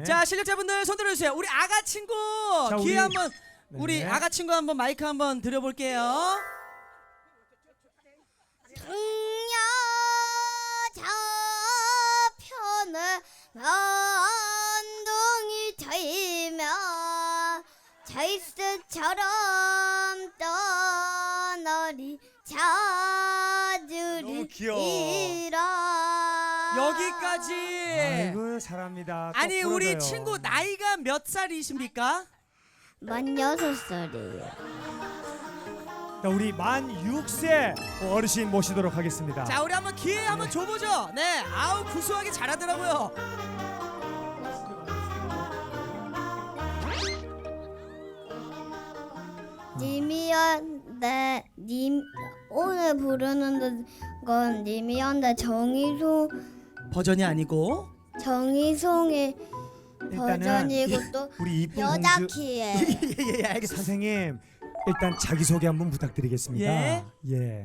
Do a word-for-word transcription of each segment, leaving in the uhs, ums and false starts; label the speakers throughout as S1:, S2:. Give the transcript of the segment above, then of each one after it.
S1: 자, 실력자분들 손 들어주세요. 우리 아가 친구
S2: 자,
S1: 기회
S2: 우리-
S1: 한번
S2: 네.
S1: 우리 아가 친구 한번 마이크 한번 드려볼게요.
S3: 풍녀 저편에 언둥이 트이며 절수처럼 떠나리
S2: 너무 귀여워.
S3: 자주리라.
S1: 여기까지.
S2: 아이고 잘합니다. 또
S1: 아니 우리
S2: 부러져요.
S1: 친구 나이가 몇 살이십니까?
S3: 만 여섯 살이에요.
S2: 자, 우리 만 육 세 어르신 모시도록 하겠습니다.
S1: 자, 우리 한번 기회 한번 줘보죠. 네, 아우 구수하게 잘하더라고요.
S3: 님이었는데 님 오늘 부르는 건 님이었는데 정희송
S1: 버전이 아니고.
S3: 정희송의
S2: 일단은
S3: 버전이고 또
S2: 우리 이쁜
S3: 여자
S2: 공주
S3: 키에
S1: 예예 알겠습니다.
S2: 선생님 일단 자기 소개 한번 부탁드리겠습니다.
S1: 예.
S2: 예.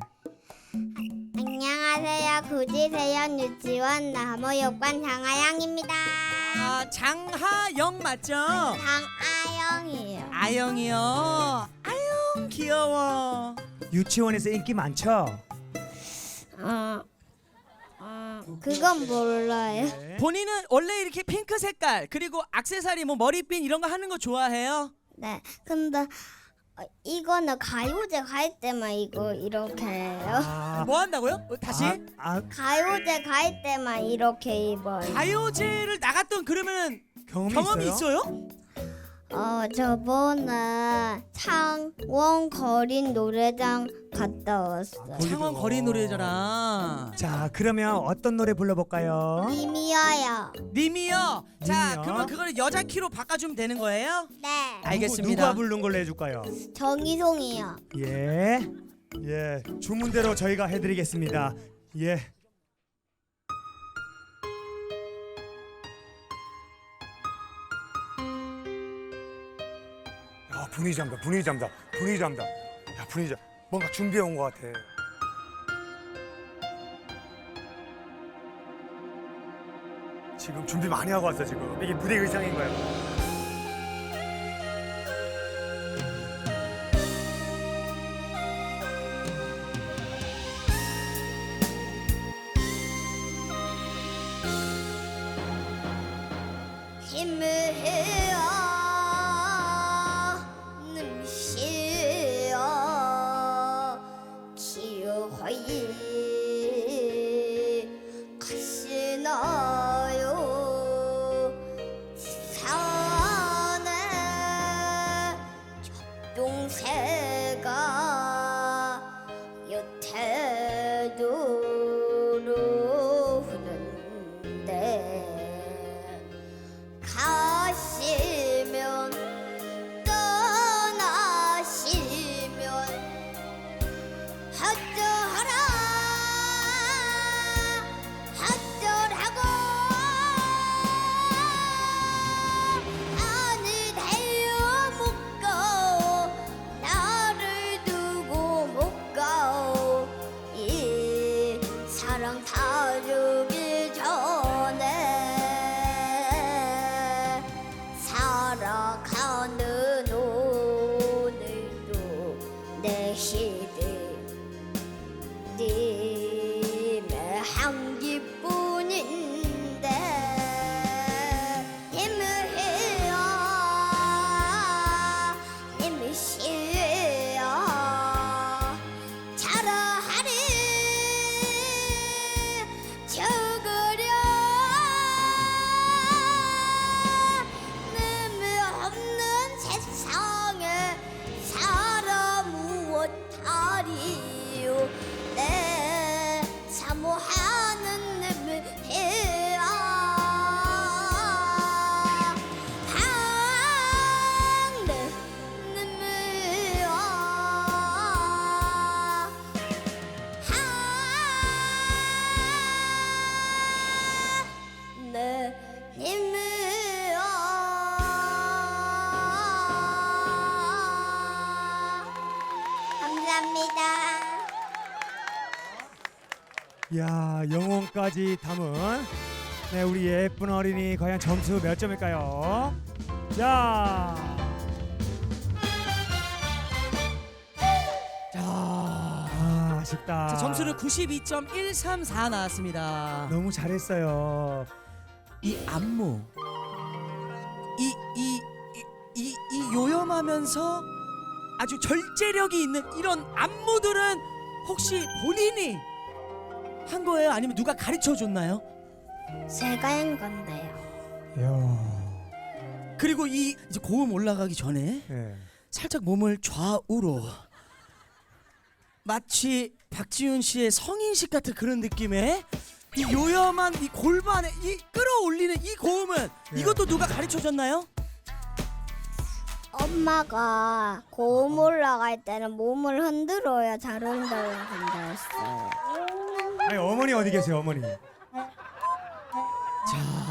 S3: 안녕하세요. 구지세연 유치원 나무육반 장아영입니다.
S1: 아, 장하영 맞죠?
S3: 장아영이에요.
S1: 아영이요. 아영 귀여워.
S2: 유치원에서 인기 많죠?
S3: 어, 어 그건 몰라요.
S2: 네.
S1: 본인은 원래 이렇게 핑크 색깔 그리고 액세서리 뭐 머리핀 이런 거 하는 거 좋아해요?
S3: 네. 근데 어, 이거는 가요제 갈 때만 이거 이렇게 해요.
S2: 아,
S1: 뭐 한다고요? 어, 다시?
S2: 아, 아,
S3: 가요제 갈 때만 이렇게 입어요.
S1: 가요제를 나갔던 그러면은
S2: 경험이,
S1: 경험이
S2: 있어요?
S1: 있어요?
S3: 어 저번에 창원 거린 노래장 갔다 왔어요.
S2: 거기도.
S1: 창원 거리 노래자랑.
S2: 자, 그러면 어떤 노래 불러볼까요?
S3: 님이어요.
S1: 님이요. 자,
S2: 님이요?
S1: 그러면 그거를 여자 키로 바꿔주면 되는 거예요?
S3: 네.
S1: 알겠습니다.
S2: 누가 부른 걸로 해줄까요?
S3: 정희송이요.
S2: 예, 예, 주문대로 저희가 해드리겠습니다. 예. 야, 분위기 잡다, 분위기 잡다, 분위기 잡다. 야, 분위기 잡. 뭔가 준비해 온 것 같아. 지금 준비 많이 하고 왔어 지금. 이게 무대 의상인 거야.
S3: 힘을 해요 ንም시여 기어하이 가시나요 산에 적동새가 여태도로 흐르는데 가시면 떠나시면 어쩌라 어쩌라고 아니 내요 못 가오 나를 두고 못 가오 이 사랑 다르기 전에 살아가는 오늘도 내 시대 님의 향기뿐인데 힘을 해요 힘을 쉬어 자라하리 죽으려 의미 없는 세상에 살아 무엇하리요 내 사모하는 의미 해야 항내 의미야 내 힘이야. 감사합니다.
S2: 야, 영혼까지 담은 네, 우리 예쁜 어린이 과연 점수 몇 점일까요? 자,
S1: 자,
S2: 아, 아쉽다.
S1: 자 점수는 구십이 점 일삼사 나왔습니다.
S2: 너무 잘했어요.
S1: 이 안무, 이 이 이 이 요염하면서 아주 절제력이 있는 이런 안무들은 혹시 본인이 한 거예요? 아니면 누가 가르쳐 줬나요?
S3: 제가 한 건데요.
S2: 이야,
S1: 그리고 이 이제 고음 올라가기 전에
S2: 네.
S1: 살짝 몸을 좌우로 마치 박지윤 씨의 성인식 같은 그런 느낌의 이 요염한 이 골반에 이 끌어올리는 이 고음은
S2: 네.
S1: 이것도 누가 가르쳐 줬나요?
S3: 엄마가 고음 올라갈 때는 몸을 흔들어야 잘 흔들린다 했어요.
S2: 아니, 어머니 어디 계세요, 어머니?
S1: 자,